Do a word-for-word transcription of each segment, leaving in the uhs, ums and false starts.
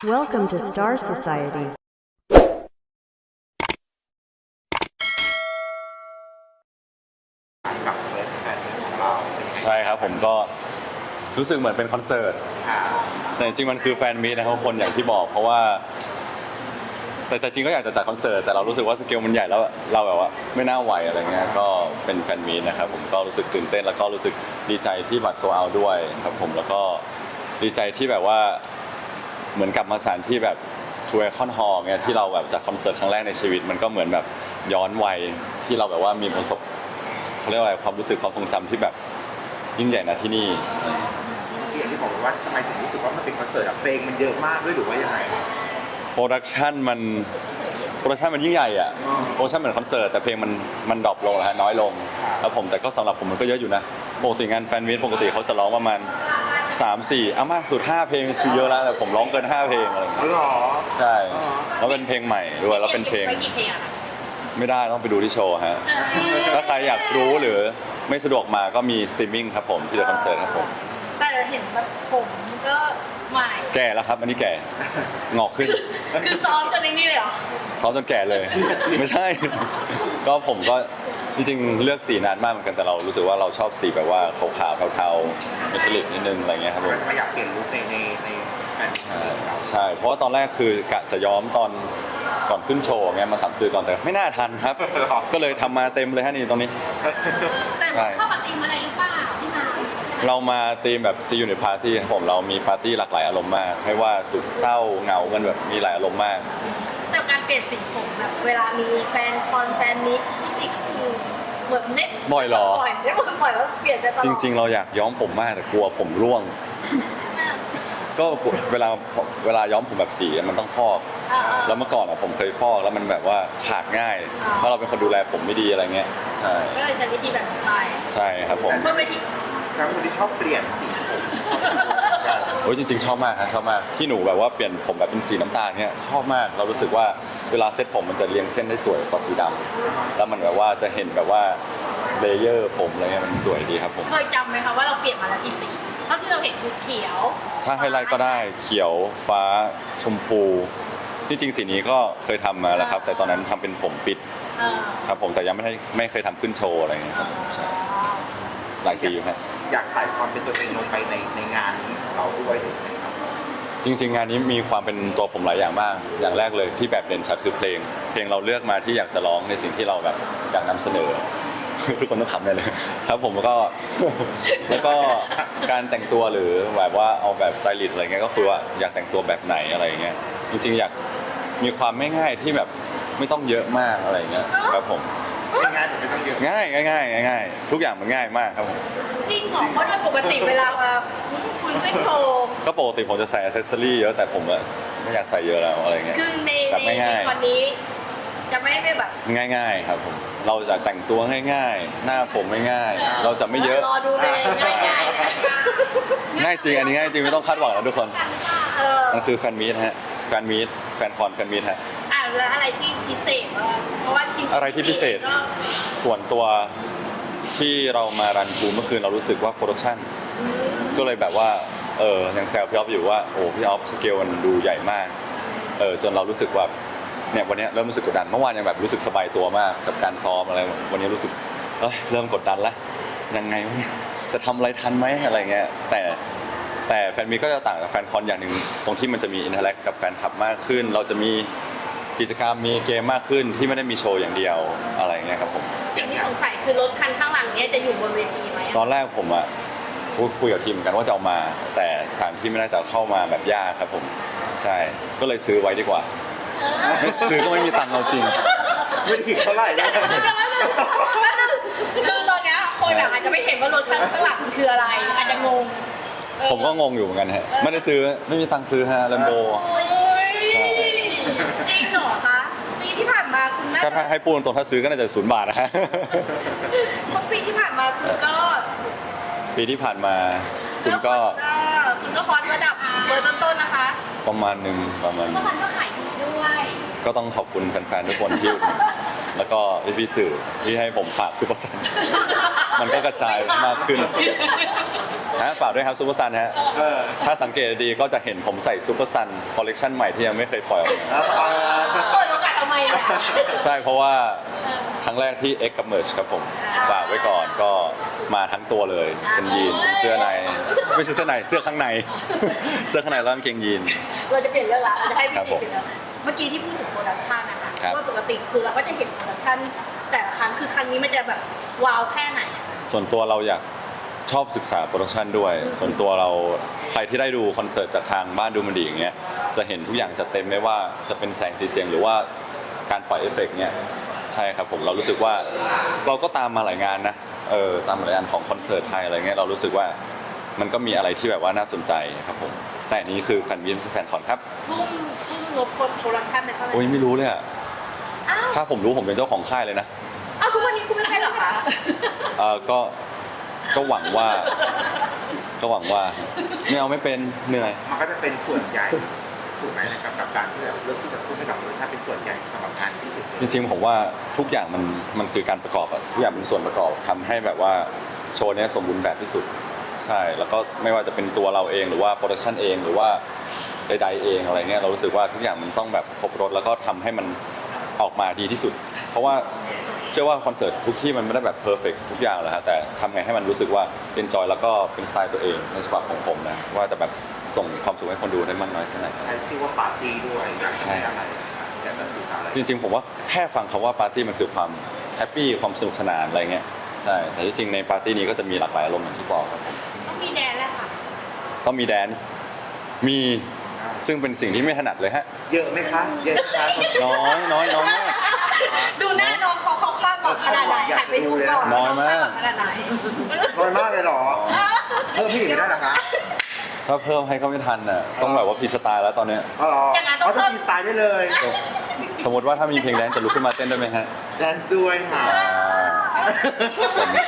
Welcome to Star Society. กับเวสแฟนของเราใช่ครับผมก็รู้สึกเหมือนเป็นคอนเสิร์ตแต่จริงๆมันคือแฟนมีตนะครับคนอย่างที่บอกเพราะว่าแต่จริงๆก็อยากจะจัดคอนเสิร์ตแต่เรารู้สึกว่าสเกลมันใหญ่แล้วเราแบบว่าไม่น่าไหวอะไรเงี้ยก็เป็นแฟนมีตนะครับผมก็รู้สึกตื่นเต้นแล้วก็รู้สึกดีใจที่บัตรโซลด์เอาท์ด้วยครับผมแล้วก็ดีใจที่แบบว่าเหมือนกลับมาสถานที่แบบทูเอคอนฮอลล์เนี่ยที่เราแบบจัดคอนเสิร์ตครั้งแรกในชีวิตมันก็เหมือนแบบย้อนวัยที่เราแบบว่ามีประสบเขาเรียกว่าอะไรความรู้สึกความทรงจำที่แบบยิ่งใหญ่นะที่นี่ที่อย่างที่บอกว่าทำไมถึงรู้สึกว่ามันเป็นคอนเสิร์ตอะเพลงมันเยอะมากด้วยหรือว่ายังไงโปรดักชันมันโปรดักชันมันยิ่งใหญ่อะโปรดักชันเหมือนคอนเสิร์ตแต่เพลงมันมันดรอปลงนะฮะน้อยลงแล้วผมแต่ก็สำหรับผมมันก็เยอะอยู่นะปกติงานแฟนมิตปกติเขาจะร้องประมาณสาม สี่อ่ะมากสุดห้าเพลงคือเยอะแล้วแต่ผมร้องเกินห้าเพลงอะไรอย่างเงี้ยหรอใช่แล้วเป็นเพลงใหม่ด้วยแล้วเป็นเพลงไม่ได้ต้องไปดูที่โชว์ฮะถ้าใครอยากรู้หรือไม่สะดวกมาก็มีสตรีมมิ่งครับผมที่เดอะคอนเสิร์ตครับผมแต่เห็นแบบผมก็ใหม่แก่แล้วครับอันนี้แก่งอกขึ้นคือซ้อมจนนี่เลยเหรอซ้อมจนแก่เลยไม่ใช่ก็ผมก็จริงๆเลือกสีนานมากเหมือนกันแต่เรารู้สึกว่าเราชอบสีแบบว่าขาวๆเทาๆเมทัลลิกนิดนึงอะไรเงี้ยครับผมไม่อยากเปลี่ยนลุคในในในแฟนใช่เพราะว่าตอนแรกคือกะจะย้อมตอนก่อนขึ้นโชว์ไงมาสัมซื้อก่อนแต่ไม่น่าทันครับก็เลยทำมาเต็มเลยฮะนี่ตรงนี้ใช่เข้ากับธีมอะไรหรือเปล่าพี่มาเรามาธีมแบบ See You ในปาร์ตี้ครับผมเรามีปาร์ตี้หลากหลายอารมณ์มากไม่ว่าสุขเศร้าเหงามันแบบมีหลายอารมณ์มากแต่การเปลี่ยนสีผมแบบเวลามีแฟนคอนแฟนมิตพี่สีก็คือเหมือนเน็ตบ่อยหรอบ่อยไม่บ่อยแล้วเปลี่ยนจะตลอดจริงๆเราอยากย้อมผมมากแต่กลัวผมร่วงก็เวลาเวลาย้อมผมแบบสีมันต้องฟอกแล้วเมื่อก่อนอะผมเคยฟอกแล้วมันแบบว่าขาดง่ายเพราะเราเป็นคนดูแลผมไม่ดีอะไรเงี้ยใช่ก็เลยใช้วิธีแบบไปใช่ครับผมเพื่อไปที่ครับคนที่ชอบเปลี่ยนสีผมโอ้ยจริงๆชอบมากครับชอบมากที่หนูแบบว่าเปลี่ยนผมแบบเป็นสีน้ำตาลเนี้ยชอบมากเรารู้สึกว่าเวลาเซ็ตผมมันจะเรียงเส้นได้สวยกว่าสีดำแล้วมันแบบว่าจะเห็นแบบว่าเลเยอร์ผมอะไรเงี้ยมันสวยดีครับผมเคยจำไหมคะว่าเราเปลี่ยนมาแล้วกี่สีเท่าที่เราเห็นคือเขียวถ้าให้ไล่ก็ได้เขียวฟ้าชมพูจริงๆสีนี้ก็เคยทำมาแล้วครับแต่ตอนนั้นทำเป็นผมปิดครับผมแต่ยังไม่ได้ไม่เคยทำขึ้นโชว์อะไรเงี้ยครับใช่หลายสีอยู่ครับอยากใส่ความเป็นตัวเองลงไปในในงานนี้ของเราด้วยจริงๆงานนี้มีความเป็นตัวผมหลายอย่างมากอย่างแรกเลยที่แบบเด่นชัดคือเพลงเพลงเราเลือกมาที่อยากจะร้องในสิ่งที่เราแบบอยากนำเสนอทุกคนต้องขำเลยครับผมแล้วก็แล้วก็การแต่งตัวหรือแบบว่าเอาแบบสไตลิสต์อะไรเงี้ยก็คือว่าอยากแต่งตัวแบบไหนอะไรเงี้ยจริงๆอยากมีความไม่ง่ายที่แบบไม่ต้องเยอะมากอะไรเงี้ยครับผมง่ายๆไม่ต้องเยอะง่ายง่ายง่ายทุกอย่างมันง่ายมากครับผมจริงเหรอเพราะโดยปกติเวลาคุณขึ้นโชว์ก็ปกติผมจะใส่อ c เซสซอรี่เยอะแต่ผมอะไม่อยากใส่เยอะแล้วอะไรเงี้ยคือในในคอนนี้จะไม่ได้แบบง่ายๆครับผมเราจะแต่งตัวง่ายๆหน้าผมง่ายๆเราจะไม่เยอะรอดูเลยง่ายๆง่ายจริงอันนี้ง่ายจริงไม่ต้องคาดหวังนะทุกคนมันคือแฟนมีตฮะแฟนมีตแฟนคอนแฟนมีตฮะอ่ะแล้วอะไรที่พิเศษเพราะว่าอะไรที่พิเศษส่วนตัวที่เรามารันทูเมื่อคืนเรารู้สึกว่าโปรดักชั่นก็เลยแบบว่าเออยังแซวพี่ออฟอยู่ว่าโอ้พี่ออฟสเกลมันดูใหญ่มากเออจนเรารู้สึกว่าเนี่ยวันนี้เริ่มรู้สึกกดดันเมื่อวานยังแบบรู้สึกสบายตัวมากกับการซ้อมอะไรวันนี้รู้สึกเอ้ยเริ่มกดดันแล้วยังไงวะเนี่ยจะทำอะไรทันไหมอะไรเงี้ยแต่แต่แฟนมีก็จะต่างกับแฟนคอนอย่างหนึ่งตรงที่มันจะมีอินเทอร์แอคกับแฟนคลับมากขึ้นเราจะมีกิจกรรมมีเกมมากขึ้นที่ไม่ได้มีโชว์อย่างเดียวอะไรเงี้ยครับผมสิ่งที่สงสัยคือรถคันข้างหลังเนี้ยจะอยู่บนเวทีไหมตอนแรกผมอะพูดคุยกับทีมกันว่าจะเอามาแต่สถานที่ไม่น่าจะเข้ามาแบบยากครับผมใช่ก็เลยซื้อไว้ดีกว่าซื้อก็ไม่มีตังค์เอาจริงไม่ถึงเท่าไหร่เลยคือตอนนี้คนอาจจะไม่เห็นว่ารถข้างหลังคืออะไรอาจจะงงผมก็งงอยู่เหมือนกันฮะไม่ได้ซื้อไม่มีตังค์ซื้อฮะแลมโบใช่จริงเหรอคะปีที่ผ่านมาคุณน่าถ้าให้พูดตรงถ้าซื้อก็น่าจะศูนย์บาทนะฮะเพราะปีที่ผ่านมาคุณก็ปีที่ผ่านมาคุณก็คุณก็คอสระดับเบอร์ต้นๆนะคะประมาณหนึ่งประมาณซุปเปอร์ซันก็ขายดีด้วยก็ต้องขอบคุณแฟนๆทุกคนที่แล้วก็พี่ๆสื่อที่ให้ผมฝากซุปเปอร์ซันมันก็กระจายมากขึ้นฮะฝากด้วยครับซูเปอร์ซันฮะเออถ้าสังเกตดีๆก็จะเห็นผมใส่ซูเปอร์ซันคอลเลกชันใหม่ที่ยังไม่เคยปล่อยออกมาแล้วเออเปิดโอกาสทำไมอ่ะใช่เพราะว่าครั้งแรกที่ X กับ Merge ครับผมฝากไว้ก่อนก็มาทั้งตัวเลยเป็นยีนเสื้อในไม่ใช่เสื้อในเสื้อข้างใน เสื้อข้างในแล้วกางเกงยีนเราจะเปลี่ยนเรื่องละเราจะให้พี่ครับผมเปลี่ยนเรื่องเมื่อกี้ที่พูดถึงโปรดักชันนะคะครับว่าปกติคือเราก็จะเห็นโปรดักชันแต่ละครั้งคือครั้งนี้มันจะแบบว้าวแค่ไหนอะส่วนตัวเราอยากชอบศึกษาโปรดักชันด้วย ส่วนตัวเราใครที่ได้ดูคอนเสิร์ตจากทางบ้านดูมันดีอย่างเงี้ยจะเห็นทุกอย่างจะเต็มไม่ว่าจะเป็นแสงสีเสียงหรือว่าการปล่อยเอฟเฟกต์เนี่ยใช่ครับผมเรารู้สึกว่าเราก็ตามมาหลายงานนะเออตามมาหลายงานของคอนเสิร์ตไทยอะไรเงี้ยเรารู้สึกว่ามันก็มีอะไรที่แบบว่าน่าสนใจครับผมแต่อันนี้คือแฟนวินแฟนคอนครับทุ่มทุ่มงบโปรดักชันไปเท่าไหร่โอ้ยไม่รู้เลยอะอ้าวถ้าผมรู้ผมเป็นเจ้าของค่ายเลยนะอ้าวทุกวันนี้คุณไม่ใช่เหรอคะเออก็ก็หวังว่าก็หวังว่าไม่เอาไม่เป็นเหนื่อยมันก็จะเป็นส่วนใหญ่ถูกไหมนะครับกับการที่เราเลือกที่จะทุ่มให้กับรสชาติเป็นส่วนใหญ่สำหรับงานที่สุดจริงๆผมว่าทุกอย่างมันมันคือการประกอบอะทุกอย่างเป็นส่วนประกอบทำให้แบบว่าโชว์เนี้ยสมบูรณ์แบบที่สุดใช่แล้วก็ไม่ว่าจะเป็นตัวเราเองหรือว่าโปรดักชันเองหรือว่าใดๆเองอะไรเงี้ยเรารู้สึกว่าทุกอย่างมันต้องแบบครบรถแล้วก็ทำให้มันออกมาดีที่สุด เพราะว่าเชื่อว่าคอนเสิร์ตทุกที่มันไม่ได้แบบเพอร์เฟกทุกอย่างแหละฮะแต่ทำไงให้มันรู้สึกว่าเป็นจอยแล้วก็เป็นสไตล์ตัวเองในฉบับของผมนะว่าจะแบบส่งความสุขให้คนดูได้มากน้อยแค่ไหนใช้ชื่อว่าปาร์ตี้ด้วยอยากจะให้อะไรอยากจะสื่อสารอะไรจริงๆผมว่าแค่ฟังคำว่าปาร์ตี้มันคือความแฮปปี้ความสนุกสนานอะไรเงี้ยใช่แต่ที่จริงในปาร์ตี้นี้ก็จะมีหลากหลายอารมณ์อย่างที่บอกครับต้องมีแดนแล้วค่ะต้องมีแดนซ์มีซึ่งเป็นสิ่งที่ไม่ถนัดเลยฮะเยอะไหมคะเยอะไหมคะน้อยน้อยน้อยมากดูหน้าน้องเขาเขาคาดหวังขนาดไหนหันไปดูก่อนน้อยมากขนาดไหนน้อยมากเลยเหรอเพิ่มพี่อีกไม่ได้เหรอคะถ้าเพิ่มให้ก็ไม่ทันน่ะต้องแบบว่าฟรีสไตล์แล้วตอนเนี้ยอ๋อเหรอเขาจะมีสไตล์ได้เลยสมมติว่าถ้ามีเพลงแดนซ์จะลุกขึ้นมาเต้นได้ไหมฮะแดนซ์ด้วยค่ะอ่าสนใจ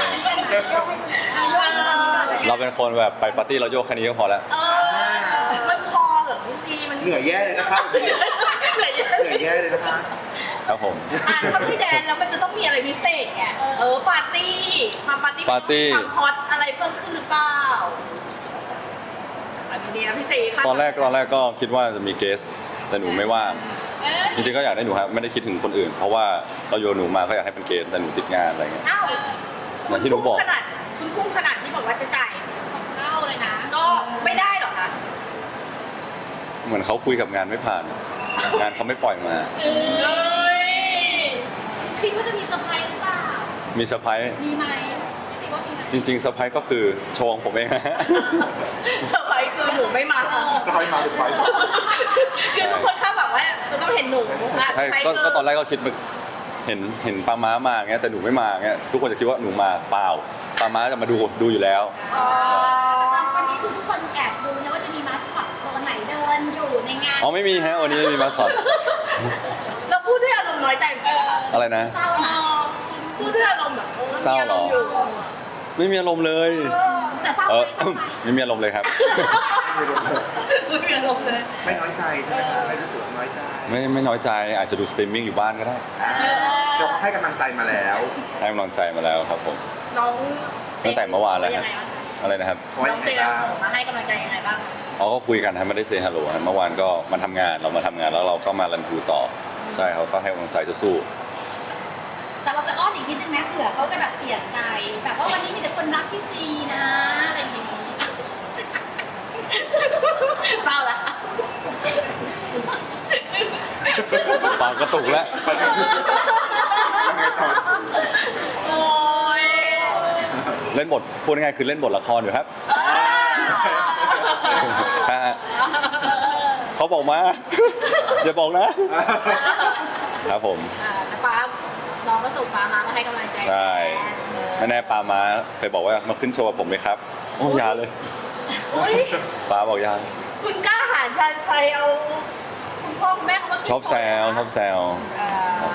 เราเป็นคนแบบไปปาร์ตี้เราโยกแค่นี้ก็พอแล้วเออมันพอเหรอพี่ซีมันเหนื่อยแย่เลยนะคะเหเหนื่อยเยอะนื่อยแย่เลยนะคะครับผมอ่ะถ้าพี่แดนแล้วมันจะต้องมีอะไรพิเศษไงเออปาร์ตี้ความปาร์ตี้ปาร์ตี้ความฮอตอะไรเพิ่มขึ้นหรือเปล่าอันนี้นะพี่ซีค่ะตอนแรกตอนแรกก็คิดว่าจะมีเกสแต่หนูไม่ว่างจริงๆก็อยากได้หนูครับไม่ได้คิดถึงคนอื่น เพราะว่าเราโยนหนูมาก็อยากให้เป็นเกสแต่หนูติดงานอะไรเงี้ยอ้าวอย่างที่หนูบอกขนาดคุณพุ่งขนาดที่บอกว่าจะจ่ายเล่าเลยนะก็ไม่ได้หรอคะเหมือนเขาคุยกับงานไม่ผ่าน งานเขาไม่ปล่อยมาเอ้ยคิดว่าจะมีเซอร์ไพรส์หรือเปล่ามีเซอร์ไพรส์มีไหมไม่สิว่ามีไหมจริงๆเซอร์ไพรส์ก็คือโชว์ของผมเองฮะเซอร์ไพรส์คือหนูไม่มาก็คอยมาดูคอยคือทุกคนคาดหวังว่าจะต้องเห็นหนูอ่ะเซอใช่ร์ไพรส์ก็คือก็ตอนแรกก็คิดว่าเห็นเห็นปลาม้ามาเงี้ยแต่หนูไม่มาเงี้ยทุกคนจะคิดว่าหนูมาเปล่าปลาม้าจะมาดูดูอยู่แล้วอ๋อตอนวันนี้คือทุกคนแอบดูนะว่าจะมีมาสคอตตัวไหนเดินอยู่ในงานอ๋อไม่มีฮะวันนี้ไม่มีมาสอดเราพูดด้วยอารมณ์น้อยใจเหมือนกันอะไรนะเศร้าอ๋อนะพูดด้วยอารมณ์แบบออเศร้าเหรอมีมณ์ยู่ไม่มีอารมณ์เลยแต่เศร้าเอไหมอเศร้าไหมไม่มีอารมณ์เลยครับไม่มีอารมณ์เลยไม่น้อยใจใช่ไหมคะไม่รู้สึกว่าน้อยใจไม่ไม่น้อยใจอาจจะดูสตรีมมิ่งอยู่บ้านก็ได้อ่าเราให้กำลังใจมาแล้วให้กำลังใจมาแล้วครับผมน้องตั้งแต่เมื่อวานแล้วครับยังไงบ้างอะไรนะครับเพราะว่าน้องเซอย่างนไรบ้างมาให้กำลังใจยังไงบ้างอ๋อก็คุยกันฮะไม่ได้เซฮัลโหลเมื่อวานก็มาทำงานเรามาทำงานแล้วเราก็มารันทูต่อใช่เขาก็ให้กำลังใจจะสู้แต่เราจะอ้อนอีกนิดนึงนะเผื่อเขาจะแบบเปลี่ยนใจแบบว่าวันนี้มีแต่คนรักพี่ซีนะอะไรอย่างนี้เศร้าละปากกระตุกแล้วโอ้ยเล่นบทพูดง่ายๆคือเล่นบทละครอยู่ครับฮะเขาบอกมา อย่าบอกนะ ครับผมอ่าแต่ป้าน้องก็ส่งป้ามาก็ให้กำลังใจใช่ไม่แน่ปามาเคยบอกว่ามาขึ้นโชว์กับผมไหมครับโอ้อยาเลยอุ๊ยปาบอกอยาคุณกล้าหาญชันชัยเอาคุณพ่อคุณแม่เขามาขึ้นชอบแซวชอบแซวอ่า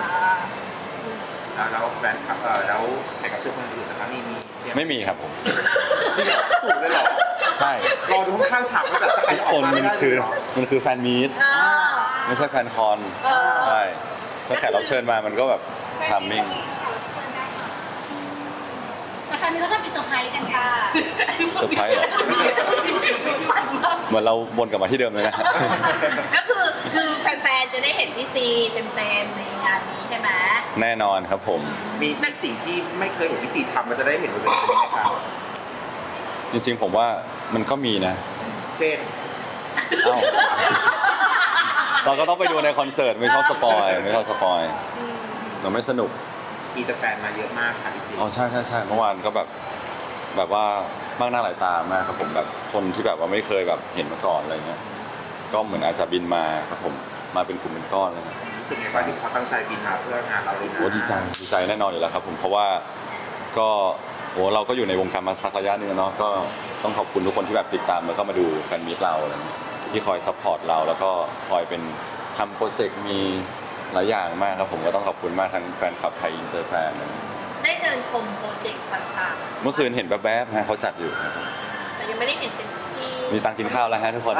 อ่าแล้วแฟนคลับเออแล้วแขกรับเชิญคนอื่นนะคะมีมีเตรียไม่มีครับผมถูกเลยเหรอใช่รอดูข้างๆฉากว่าแบบจะใครทุกจะอคอกนมามันได้คือเหรอมันคือแฟนมีตอ่าไม่ใช่แฟนคอนเออใช่ถ้าแขกรับเชิญมามันก็แบบทามมิ่งแต่ฟนๆมีเขาชอบมีเซอร์ไพรส์กันค่ะเซอร์ไพรส์เหรอเหมือนเราวนกลับมาที่เดิมเลยนะก็คือคือแฟนๆจะได้เห็นพี่ซีเต็มๆในงานนี้ใช่ไหมแน่นอนครับผมมีมีสิ่งที่ไม่เคยเห็นพี่ซีทำเราจะได้เห็นบนเวทีไหมครับจริงๆผมว่ามันก็มีนะเช่นเอ้าเราก็ต้องไปดูในคอนเสิร์ตไม่ชอบสปอยไม่ชอบสปอยเราไม่สนุกมีแต่แฟนมาเยอะมากค่ะพี่ซีอ๋อใช่ใช่ใช่เมื่อวานก็แบบแบบว่ามากหน้าหลายตามากครับผมแบบคนที่แบบว่าไม่เคยแบบเห็นมาก่อนอะไรเงี้ยก็เหมือนอาจจะบินมาครับผมมาเป็นกลุ่มเป็นก้อนอะไรเงี้ยรู้สึกไงบ้างที่เขาตั้งใจบินมาเพื่องานเราเลยนะโอ้ดีใจดีใจแน่นอนอยู่แล้วครับผมเพราะว่าก็โอ้เราก็อยู่ในวงการมาสักระยะหนึงแล้วเนาะก็ต้องขอบคุณทุกคนที่แบบติดตามแล้วก็มาดูแฟนมีตเราอะไรเงี้ยที่คอยซัพพอร์ตเราแล้วก็คอยเป็นทำโปรเจกต์มีหลายอย่างมากครับผมก็ต้องขอบคุณมากทั้งแฟนคลับไทยอินเตอร์แฟนอะไรเงี้ยได้เดินชมโปรเจกต์ต่างเมื่อคืนเห็นแวบๆฮะเขาจัดอยู่ครับๆแต่ยังไม่ได้เห็นเป็นที่มีตังค์กินข้าวแล้วฮะทุกคน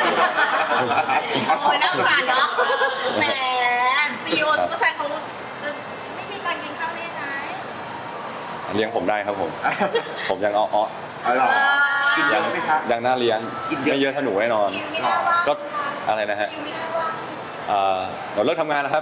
โอ้ยน่าสงสารเนาะแหมซีโอซุปเปอร์แฟนเขาไม่มีตังค์กินข้าวได้ยังไงเลี้ยงผมได้ครับผม ผมยังอ้อเอาหรอกินเยยัอะไหมครับยังน่าเลี้ยงกินเยอะไม่เยอะเท่าหนูแน่นอนคิวไม่น่าว่างก็อะไรนะฮะคิวไม่น่าว่างเอ่อเราเลิกทำงานแล้วครับ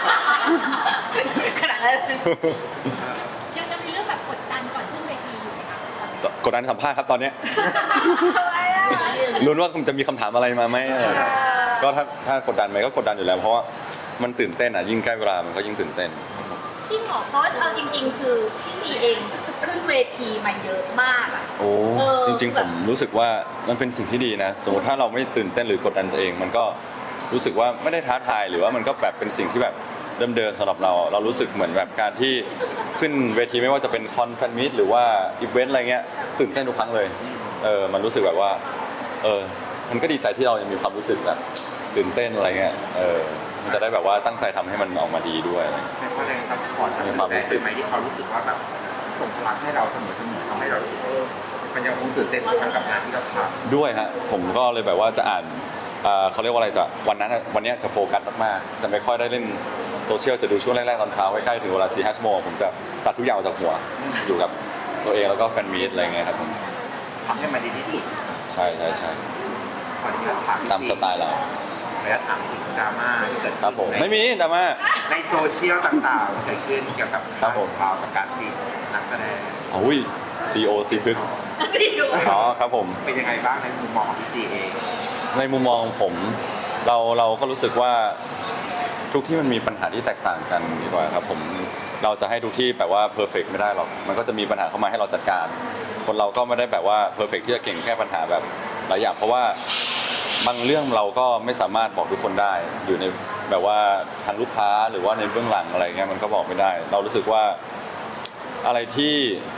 ขนาดนั้นยังจะมีเรื่องแบบกดดันก่อนขึ้นเวทีอยู่ไหมคะตอนนี้กดดันสัมภาษณ์ครับตอนเนี้ยทำไมอ่ะลุ้นว่าจะมีคำถามอะไรมาไหมอะไรอย่างเงี้ยก็ถ้าถ้ากดดันไหมก็กดดันอยู่แล้วเพราะว่ามันตื่นเต้นอ่ะยิ่งใกล้เวลามันก็ยิ่งตื่นเต้นจริงเหรอเพราะว่าเอาจริง ๆ คือพี่ซีเองขึ้นเวทีมาเยอะมากอ่ะโอ้เออจริง ๆ ผมรู้สึกว่ามันเป็นสิ่งที่ดีนะสมมติถ้าเราไม่ตื่นเต้นหรือกดดันตัวเอง มันก็รู้สึกว่าไม่ได้ท้าทายหรือว่ามันก็แบบเป็นสิ่งที่แบบเดิมๆสำหรับเราเรารู้สึกเหมือนแบบการที่ขึ้นเวทีไม่ว่าจะเป็นคอนแฟนมิตหรือว่าอีเวนต์อะไรเงี้ยตื่นเต้นทุกครั้งเลยเออมันรู้สึกแบบว่าเออมันก็ดีใจที่เรายังมีความรู้สึกแบบตื่นเต้นอะไรเงี้ยเออมันจะได้แบบว่าตั้งใจทำให้มันออกมาดีด้วยอะไรเงี้ยแต่เขาแรงซัพพอร์ตมีความรู้สึกไหมที่เขารู้สึกว่าแบบส่งพลังให้เราเสมอๆทำให้เรารู้สึกเออมันยังคงตื่นเต้นทุกครั้งกับงานที่เราทำด้วยฮะผมก็เลยแบบว่าจะอ่านเอ่อเขาเรียกว่าอะไรจะวันนั้นอะวันเนี้ยจะโฟกัสมากๆจะไม่ค่อยได้เล่นโซเชียลจะดูช่วงแรกๆตอนเช้าใกล้ๆถึงเวลาสี่ห้าชั่วโมงผมจะตัดทุกอย่างออกจากหัวอยู่กับตัวเองแล้วก็แฟนมีตอะไรเงี้ยครับผมทำให้มันดีที่สุดใช่ใช่ใช่ขออนุญาตถามตามสไตล์เราขออนุญาตถามถึงดราม่าที่เกิดครับผมขึ้นไม่มีดราม่าในโซเชียลต่างๆเกิดขึ้นเกี่ยวกับครับผมข่าวประกาศปิดนักแสดงโอ้ยซีโอซีพึกซีโออ๋อครับผมเป็นยังไงบ้างในมุมมองของพี่ซีเองในมุมมองของผมเราเราก็รู้สึกว่าทุกที่มันมีปัญหาที่แตกต่างกันดีกว่าครับผมเราจะให้ทุกที่แบบว่าเพอร์เฟกไม่ได้หรอกมันก็จะมีปัญหาเข้ามาให้เราจัดการ คนเราก็ไม่ได้แบบว่าเพอร์เฟกที่จะเก่งแก้ปัญหาแบบหลายอย่างเพราะว่าบางเรื่องเราก็ไม่สามารถบอกทุกคนได้ อยู่ในแบบว่าทางลูกค้าหรือว่าในเบื้องหลังอะไรเงี้ยมันก็บอกไม่ได้ เรารู้สึกว่าอะไรที่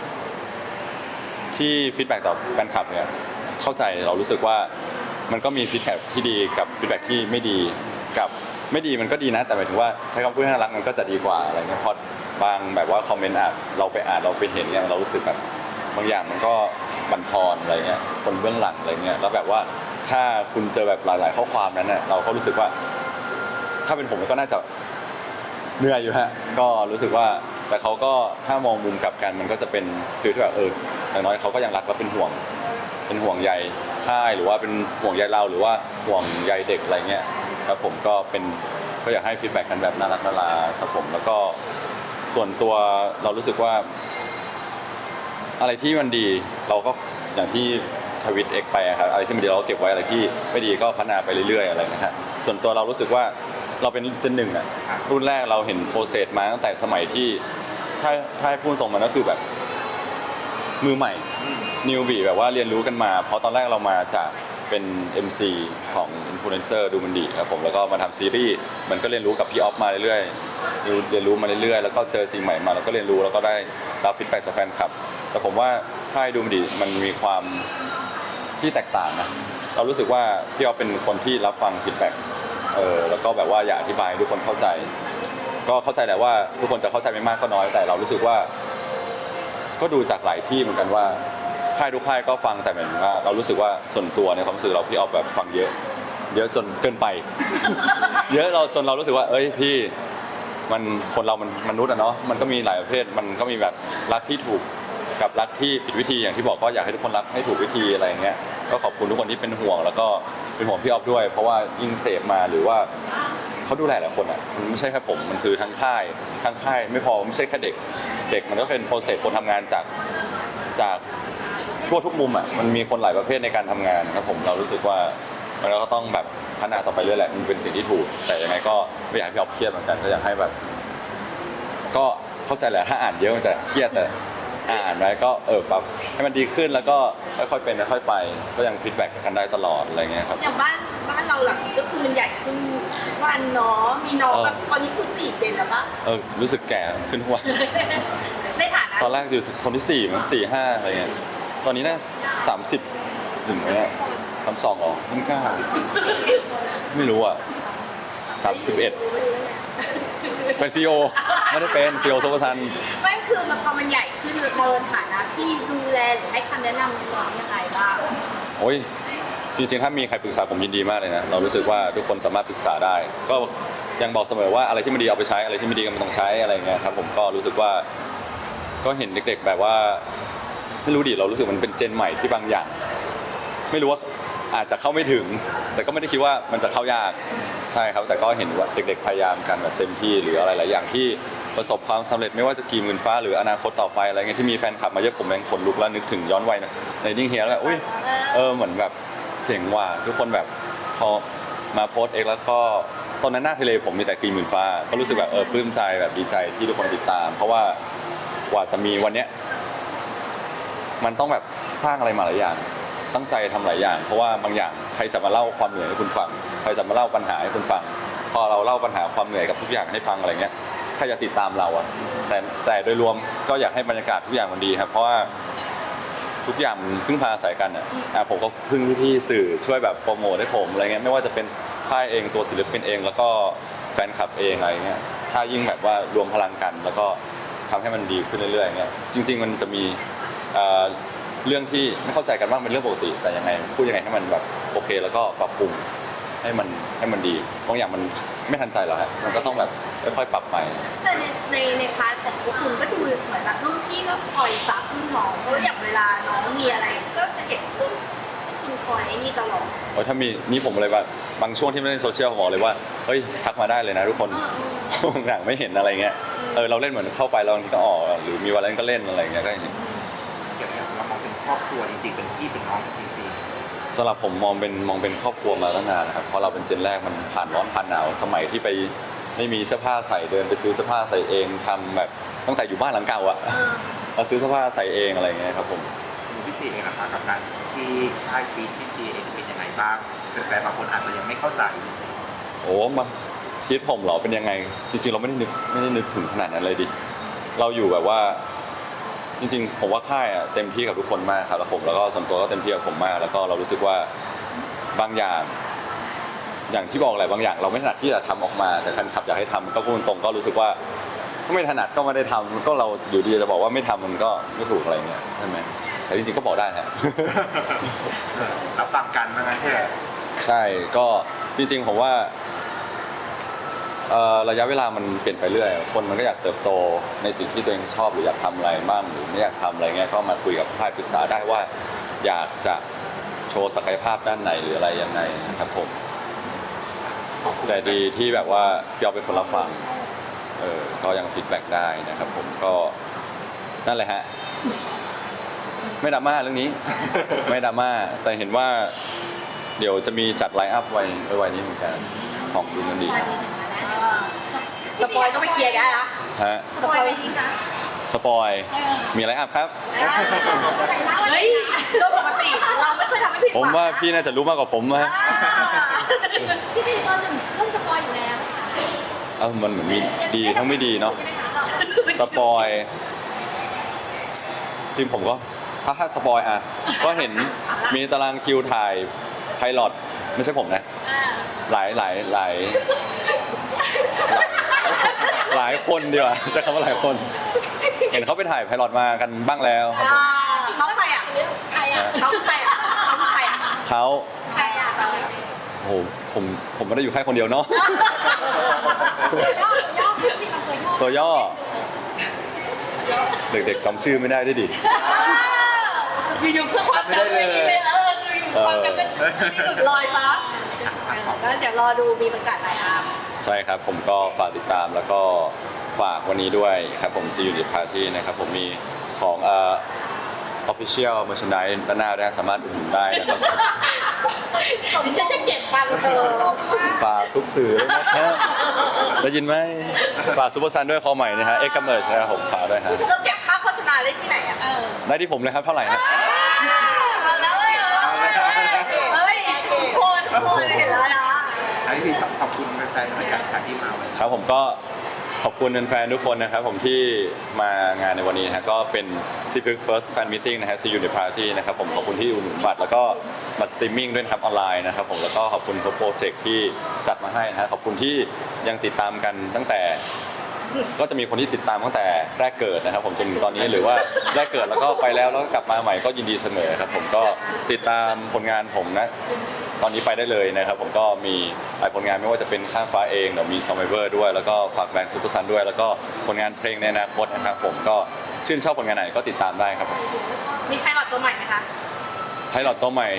ที่ฟีดแบ็กต่อแฟนคลับเนี่ยเข้าใจเรารู้สึกว่ามันก็มีฟีดแบ็กที่ดีกับฟีดแบ็กที่ไม่ดีกับไม่ดีมันก็ดีนะแต่หมายถึงว่าใช้คำพูดให้น่ารักมันก็จะดีกว่าอะไรเงี้ยเพราะบางแบบว่าคอมเมนต์อ่านเราไปอ่านเราไปเห็นเนี่ยเรารู้สึกแบบบางอย่างมันก็บั่นทอนอะไรเงี้ยคนเบื้องหลังอะไรเงี้ยแล้วแบบว่าถ้าคุณเจอแบบหลายๆข้อความนั้นเนี่ยเราก็รู้สึกว่า ถ้าเป็นผมก็น่าจะเหนื่อยอยู่ฮะก็รู้สึกว่าแต่เขาก็ถ้ามองมุมกลับกันมันก็จะเป็นฟีลที่แบบเอออย่างน้อยเขาก็ยังรักและเป็นห่วง เป็นห่วงใยค่ายหรือว่าเป็นห่วงใยเราหรือว่าห่วงใยเด็กอะไรเงี้ยครับผมก็เป็นก็อยากให้ฟีดแบ็กกันแบบน่ารักน่ารักครับผมแล้วก็ส่วนตัวเรารู้สึกว่า อะไรที่มันดีเราก็อย่างที่ทวิตเอ็กไปอะครับอะไรที่มันดีเราก็เก็บไว้อะไรที่ไม่ดีก็พัฒนาไปเรื่อยๆอะไรนะฮะส่วนตัวเรารู้สึกว่าเราเป็นเจนหนึ่งอะรุ่นแรกเราเห็นโปรเซสมาตั้งแต่สมัยที่ถ้าถ้าให้พูดตรงมันก็คือแบบมือใหม่นิวบีแบบว่าเรียนรู้กันมาเพราะตอนแรกเรามาจากเป็น เอ็ม ซี ของอินฟลูเอนเซอร์ดูมันดีครับผมแล้วก็มาทำซีรีส์มันก็เรียนรู้กับพี่ออฟมาเรื่อยๆเรียนรู้มาเรื่อยๆแล้วก็เจอสิ่งใหม่มาแล้วก็เรียนรู้แล้วก็ได้รับฟีดแบ็กจากแฟนคลับแต่ผมว่าค่ายดูมันดีมันมีความที่แตกต่างนะเรารู้สึกว่าพี่ออฟเป็นคนที่รับฟังฟีดแบ็กเออแล้วก็แบบว่าอยากอธิบายให้ทุกคนเข้าใจก็เข้าใจแหละว่าทุกคนจะเข้าใจไม่มากก็น้อยแต่เรารู้สึกว่าก็ดูจากหลายที่เหมือนกันว่าค่ายทุกค่ายก็ฟังแต่เหมือนว่าเรารู้สึกว่าส่วนตัวในความรู้สึกเราพี่ออฟแบบฟังเยอะเยอะจนเกินไป เยอะเราจนเรารู้สึกว่าเอ้ยพี่มันคนเรามันมนุษย์อะเนาะมันก็มีหลายประเภทมันก็มีแบบรักที่ถูกกับรักที่ผิดวิธีอย่างที่บอกก็อยากให้ทุกคนรักให้ถูกวิธีอะไรอย่างเงี้ยก็ขอบคุณทุกคนที่เป็นห่วงแล้วก็เป็นห่วงพี่ออฟด้วย เพราะว่ายิ่งเสพมาหรือว่าเขาดูแลหลายคนอ่ะมันไม่ใช่แค่ผมมันคือทั้งค่ายทั้งค่ายไม่พอไม่ใช่แค่เด็กเด็กมันก็เป็นโปรเซสคนทำงานจากจากทั่วทุกมุมอ่ะมันมีคนหลายประเภทในการทำงานครับผมเรารู้สึกว่ามันก็ต้องแบบพัฒนาต่อไปเรื่อยแหละมันเป็นสิ่งที่ถูกแต่ยังไงก็ไม่อยากให้พี่ออฟเครียดเหมือนกันก็อยากให้แบบก็เข้าใจแหละถ้าอ่านเยอะมันจะเครียดแต่อ่านไว้ก็เออปรับให้มันดีขึ้นแล้วก็ค่อยๆเป็นค่อยๆไปก็ยังฟีดแบ็กกันได้ตลอดอะไรเงี้ยครับอย่างบ้านบ้านเราหลังนี้ก็คือมันใหญ่ขึ้นวันเนาะมีน้องแบบตอนนี้คือสี่เจนแล้วปะเออรู้สึกแก่ขึ้นทุกวันในฐานะตอนแรกอยู่คนที่สี่มั้งสี่ห้าอะไรเงี้ยตอนนี้น่าสามสิบถึงไหมเนี่ยสามสองหรอไม่กล้าไม่รู้อ่ะสามสิบเอ็ดเป็นซีโอไม่ได้เป็นซีโอโซฟซันไม่คือมันพอมันใหญ่ขึ้นเราในฐานะที่ดูแลหรือให้คำแนะนำน้องยังไงบ้างโอ้ยจริงๆถ้ามีใครปรึกษาผมยินดีมากเลยนะเรารู้สึกว่าทุกคนสามารถปรึกษาได้ ก็ยังบอกเสมอว่าอะไรที่ไม่ดีเอาไปใช้อะไรที่ไม่ดีก็ไม่ต้องใช้อะไรเงี้ยครับผมก็รู้สึกว่าก็เห็นเด็กๆแบบว่าไม่รู้ดิเรารู้สึกมันเป็นเจนใหม่ที่บางอย่าง ไม่รู้ว่าอาจจะเข้าไม่ถึง แต่ก็ไม่ได้คิดว่ามันจะเข้ายากใช่ครับแต่ก็เห็นว่าเด็กๆพยายามกันแบบเต็มที่หรืออะไรหลายอย่างที่ประสบความสำเร็จไม่ว่าจะกี่หมื่นฟ้าหรืออนาคตต่อไปอะไรเงี้ยที่มีแฟนคลับมาเยอะผมแรงขนลุกแล้วนึกถึงย้อนวัยนะในดิ้งเฮียแล้วแบบอุ้ยเออเหมือนแบบเจ๋งว่ะทุกคนแบบพอมาโพสเองแล้วก็ตอนนั้นหน้าทะเลผมมีแต่กี่หมื่นฟ้าก็รู้สึกแบบเออปลื้มใจแบบดีใจที่ทุกคนติดตาม เพราะว่ากว่าจะมีวันเนี้ยมันต้องแบบสร้างอะไรมาหลายอย่างตั้งใจทำหลายอย่างเพราะว่าบางอย่างใครจะมาเล่าความเหนื่อยให้คุณฟังใครจะมาเล่าปัญหาให้คุณฟังพอเราเล่าปัญหาความเหนื่อยกับทุกอย่างให้ฟังอะไรเงี้ยใครจะติดตามเราอะแต่แต่โดยรวมก็อยากให้บรรยากาศทุกอย่างมันดีครับเพราะว่าทุกอย่างมันพึ่งพาอาศัยกันอะอ่ะผมก็พึ่งพี่ๆสื่อช่วยแบบโปรโมทให้ผมอะไรเงี้ยไม่ว่าจะเป็นค่ายเองตัวศิลปินเองแล้วก็แฟนคลับเองอะไรเงี้ยถ้ายิ่งแบบว่ารวมพลังกันแล้วก็ทำให้มันดีขึ้นเรื่อยๆเงี้ยจริง ๆ มันจะมีเรื่องที่ไม่เข้าใจกันบ้างเป็นเรื่องปกติแต่ยังไงพูดยังไงให้มันแบบโอเคแล้วก็ปรับปรุงให้มันให้มันดีบางอย่างมันไม่ทันใจหรอกฮะมันก็ต้องแบบค่อยๆปรับไปแต่ในในในพาร์ทของพวกคุณก็ดูเหมือนแบบรุ่นพี่ก็คอยซับรุ่นน้องเพราะอย่างเวลาน้องมีอะไร ก็จะเห็นคุณคุณคอยนี่ตลอดโอ้ยถ้ามีนี่ผมเลยว่าบางช่วงที่ไม่ได้โซเชียลผมบอกเลยว่าเฮ้ยทักมาได้เลยนะทุกคนบางอย่างไม่เห็นอะไรเงี้ยเออเราเล่นเหมือนเข้าไปเราบางทีก็ออกหรือมีวันเล่นก็เล่นอะไรเงี้ยก็เห็นอย่างเงี้ยเรามองเป็นครอบครัวจริงๆเป็นพี่เป็นน้องกันจริงสำหรับผมมองเป็นมองเป็นครอบครัวมาตั้งนานนะครับเพราะเราเป็นเจนแรกมันผ่านร้อนผ่านหนาวสมัยที่ไปไม่มีเสื้อผ้าใส่เดินไปซื้อเสื้อผ้าใส่เองทำแบบตั้งแต่อยู่บ้านหลังเก่าอะเราซื้อเสื้อผ้าใส่เองอะไรเงี้ยครับผมๆพี่ซีเองนะคะกับการที่ค่ายฟีดพี่ซีเองเป็นยังไงบ้างแฟนๆบางคนอาจจะยังไม่เข้าใจโอ้มาคิดผมเหรอเป็นยังไงจริงๆเราไม่ได้นึกไม่ได้นึกถึงขนาดนั้นเลยดิเราอยู่แบบว่าจริงๆผมว่าค่ายอะเต็มที่กับทุกคนมากครับแล้วผมแล้วก็ส่วนตัวก็เต็มที่กับผมมากแล้วก็เรารู้สึกว่าบางอย่างอย่างที่บอกแหละบางอย่างเราไม่ถนัดที่จะทำออกมาแต่แฟนคลับอยากให้ทำก็พูดตรงๆก็รู้สึกว่าไม่ถนัดก็ไม่ได้ทำก็เราอยู่ดีจะบอกว่าไม่ทำมันก็ไม่ถูกอะไรเงี้ยใช่ไหมแต่จริงๆก็บอกได้ฮะรับฟังกันว่างั้นเถอะใช่ก็จริงๆผมว่าเอ่อระยะเวลามันเปลี่ยนไปเรื่อยคนมันก็อยากเติบโตในสิ่งที่ตัวเองชอบหรืออยากทำอะไรบ้างหรือไม่อยากทำอะไรเงี้ยก็มาคุยกับค่ายปรึกษาได้ว่าอยากจะโชว์ศักยภาพด้านไหนหรืออะไรยังไงนะครับผมแต่ดีที่แบบว่าพี่เอาเป็นคนรับฟังเออก็ยังฟีดแบ็กได้นะครับผมก็นั่นแหละฮะไม่ดราม่าเรื่องนี้ ไม่ดราม่าแต่เห็นว่าเดี๋ยวจะมีจัดไลน์อัพไว้ไว้นี้เหมือนกันของดูกันดีสปอยก็ไปเคลียร์กันนะฮะสปอยไปสิคะสปอยมีไลน์อัพครับเฮ้ยโดยปกติเราไม่เคยทำให้ผิดหผวัมงว่าพี่น่าจะรู้มากกว่าผมนะพี่ซีตอนหนึ่งเริ่มสปอยอยู่แล้วค่ะเออมันเหมือนมีดีทั้งไม่ดีเนาะใช่ไหมคะสปอยจริงผมก็ถ้าถ้าสปอยอ่ะก็เห็นมีตารางคิวถ่ายไพลอตไม่ใช่ผมนะอ่าหลายหลายหลายหลายหลายคนดีกว่าใช้คำว่าหลายคน เห็นเขาไปถ่ายไพลอตมากันบ้างแล้วครับผมอ่าเขาใครอ่ะใครอ่ะเขาใครอ่ะเขาใครอ่ะเขาใครอ่ะเขาโอ้โหผมผมไม่ได้อยู่แค่คนเดียวเนาะย่อย่อพี่ซีมันตัวย่อตัวย่อเด็กๆจำชื่อไม่ได้ด้วยดิอยู่ๆเพื่อความจำไม่ดีไปเอออยู่ๆความจำก็หลุดลอยซะก็เดี๋ยวรอดูมีประกาศไลน์อัพใช่ครับผมก็ฝากติดตามแล้วก็ฝากวันนี้ด้วยครับผม See You at Party นะครับผมมีของเอ่อ official merchandise ด้านหน้าด้วยสามารถอุดหนุนได้นะครับดิฉันจะเก็บปังเธอฝากทุกสื่อด้วยนะครับได้ยินไหมฝากซูเปอร์ซันด้วยคอใหม่นะฮะเอ็กซ์กัมเมอร์นะครับผมฝากด้วยฮะเราเก็บค่าโฆษณาได้ที่ไหนอ่ะเออได้ที่ผมเลยครับเท่าไหร่ฮะเอาแล้วเว้ยเฮ้ยโคตรโคตรเห็นแล้วนะอันนี้คือขอบคุณแฟนๆรายการที่มาวันนี้ครับผมก็ขอบคุณแฟนๆทุกคนนะครับผมที่มางานในวันนี้นะฮะก็เป็น ซี พี First Fan Meeting นะฮะ See You at Party นะครับผมขอบคุณที่อุดหนุนบัตรแล้วก็บัตรสตรีมมิ่งด้วยนะครับออนไลน์นะครับผมแล้วก็ขอบคุณทุกโปรเจกต์ที่จัดมาให้นะฮะขอบคุณที่ยังติดตามกันตั้งแต่ ก็จะมีคนที่ติดตามตั้งแต่แรกเกิดนะครับผมจนถึงตอนนี้หรือว่าแรกเกิดแล้วก็ไปแล้วแล้วก็กลับมาใหม่ก็ยินดีเสมอครับผมก็ติดตามผลงานผมนะตอนนี้ไปได้เลยนะครับผมก็มีหลายผลงานไม่ว่าจะเป็นข้างฟ้าเองเดี๋ยวมี Survivor ด้วยแล้วก็ฝากแบรนด์ซูเปอร์ซันด้วยแล้วก็ผลงานเพลงในอนาคตนะครับผมก็ชื่นชอบผลงานไหนก็ติดตามได้ครับผมมีไพลอตตัวใหม่ไหมคะให้หลอดตัวใหม่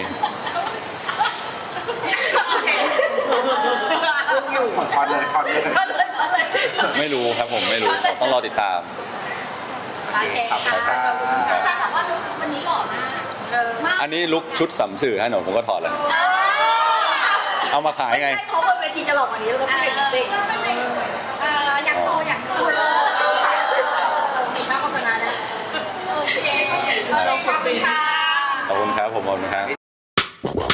อยู่ช็อตเลยช็อตเลยช็อตเลยช็อตเลยไม่รู้ครับผมไม่รู้ต้องรอติดตามโอเคค่ะขอบคุณค่ะแฟนบอกว่าวันนี้หล่อมากเออมากอันนี้ลุกชุดสำสื่อฮะหนูผมก็ถอดเลยเอามาขายไงไม่ใช่เพราะบนเวทีจะหลอกกว่านี้เราต้องเอเปลี่ยนจริงอเอออยากโชว์อยากโชว์ข้าโฆษณานะโอเคขอบคุณค่ะขอบคุณครับผมขอบคุณครับ